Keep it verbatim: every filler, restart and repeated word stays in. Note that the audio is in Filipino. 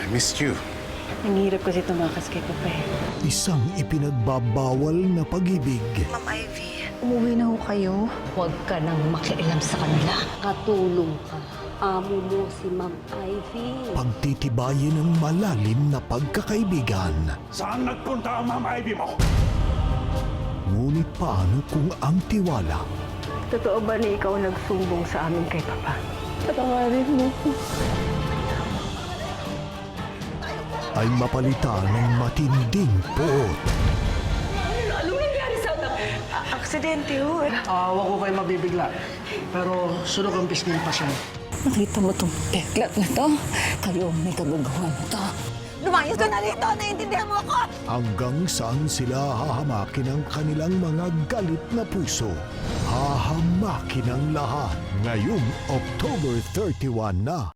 missed you. Ang hirap kasi tumakas kay Papa eh. Isang ipinagbabawal na pag-ibig. Ma'am Ivy, umuwi na ho kayo. Huwag ka nang makialam sa kanila. Katulong ka. Amo mo si Ma'am Ivy. Pagtitibayin ng malalim na pagkakaibigan. Saan nagpunta ang Ma'am Ivy mo? Ngunit paano kung ang tiwala Totoo ba na ikaw nagsumbong sa amin kay Papa? Patawarin mo ko. ay mapalitan ng matinding poot? Aksidente ho. Ah, wag ko kayo mabibigla. Pero sunog ang pisngi ng pasyon. Nakita mo itong peklat na to? Kayo may kagagawa mo to. Lumayos ka na rito! Naiintindihan mo ako! Hanggang saan sila hahamakin ang kanilang mga galit na puso? Hahamakin ang lahat ngayong October thirty-one na.